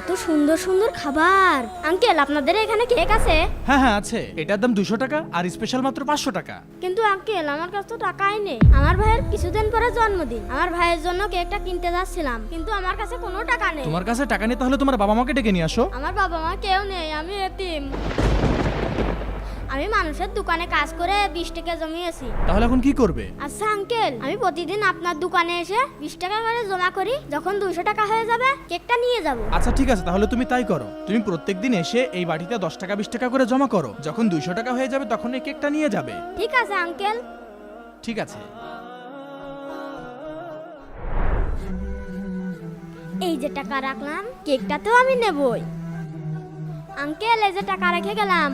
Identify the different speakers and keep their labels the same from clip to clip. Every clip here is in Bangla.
Speaker 1: কত সুন্দর সুন্দর খাবার। আঙ্কেল, আপনাদের এখানে কেক আছে?
Speaker 2: হ্যাঁ হ্যাঁ আছে, এটার দাম 200 টাকা আর স্পেশাল মাত্র 500 টাকা।
Speaker 1: কিন্তু আঙ্কেল, আমার কাছে তো টাকাই নেই। আমার ভাইয়ের কিছুদিন পরে জন্মদিন, আমার ভাইয়ের জন্য কেকটা কিনতে যাচ্ছিলাম, কিন্তু আমার কাছে কোনো টাকা নেই।
Speaker 2: তোমার কাছে টাকা নেই, তাহলে তোমার বাবা মাকে ডেকে নিয়ে আসো।
Speaker 1: আমার বাবা মা কেউ নেই, আমি এতিম। আমি মানুষের দোকানে কাজ করে 20 টাকা জমিয়েছি।
Speaker 2: তাহলে এখন কি করবে?
Speaker 1: আচ্ছা আঙ্কেল, আমি প্রতিদিন আপনার দোকানে এসে 20 টাকা করে জমা করি, যখন 200 টাকা হয়ে যাবে কেকটা নিয়ে যাব।
Speaker 2: আচ্ছা ঠিক আছে, তাহলে তুমি তাই করো। তুমি প্রত্যেকদিন এসে এই বাটিতে 10 টাকা 20 টাকা করে জমা করো, যখন 200 টাকা হয়ে যাবে তখন এই কেকটা নিয়ে যাবে।
Speaker 1: ঠিক আছে আঙ্কেল।
Speaker 2: ঠিক আছে।
Speaker 1: এই যে টাকা রাখলাম, কেকটা তো আমি নেবই। আঙ্কেল, এই যে টাকা রেখে গেলাম।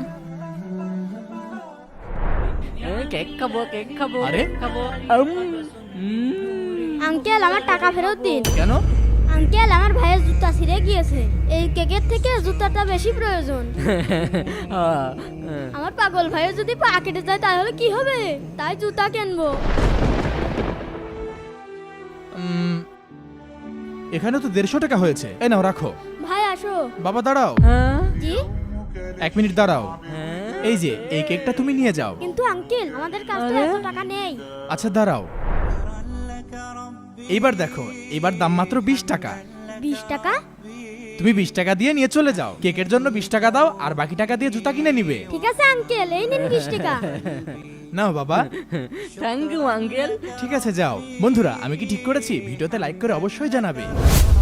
Speaker 3: কেক খাবো কেক খাবো
Speaker 2: আরে?
Speaker 3: কেক খাবো
Speaker 1: আঙ্কেল, আমার টাকা ফেরত দিন।
Speaker 2: কেন?
Speaker 1: আঙ্কেল, আমার ভাইয়ের জুতা ছিঁড়ে গিয়েছে, এই কেকের থেকে জুতাটা বেশি প্রয়োজন। আমার পাগল ভাইয়ের যদি পা কেটে যায় তাহলে কি হবে, তাই জুতা কিনবো।
Speaker 2: এখানে তো 150 টাকা হয়েছে, এই নাও রাখো।
Speaker 1: ভাই আসো।
Speaker 2: বাবা দাঁড়াও।
Speaker 1: জি?
Speaker 2: 1 মিনিট দাঁড়াও। এই যে এই কেকটা তুমি নিয়ে যাও।
Speaker 1: কিন্তু আঙ্কেল, আমাদের কাছে তো এত টাকা নেই।
Speaker 2: আচ্ছা দাঁড়াও, এইবার দেখো, এবার দাম মাত্র 20 টাকা।
Speaker 1: 20 টাকা?
Speaker 2: তুমি 20 টাকা দিয়ে নিয়ে চলে যাও, কেকের জন্য 20 টাকা দাও আর বাকি টাকা দিয়ে জুতা কিনে নিবে।
Speaker 1: ঠিক আছে আঙ্কেল, এই নিন 20 টাকা।
Speaker 2: নাও বাবা।
Speaker 3: Thank you uncle.
Speaker 2: ঠিক আছে যাও। বন্ধুরা, আমি কি ঠিক করেছি? ভিডিওতে লাইক করে অবশ্যই জানাবে।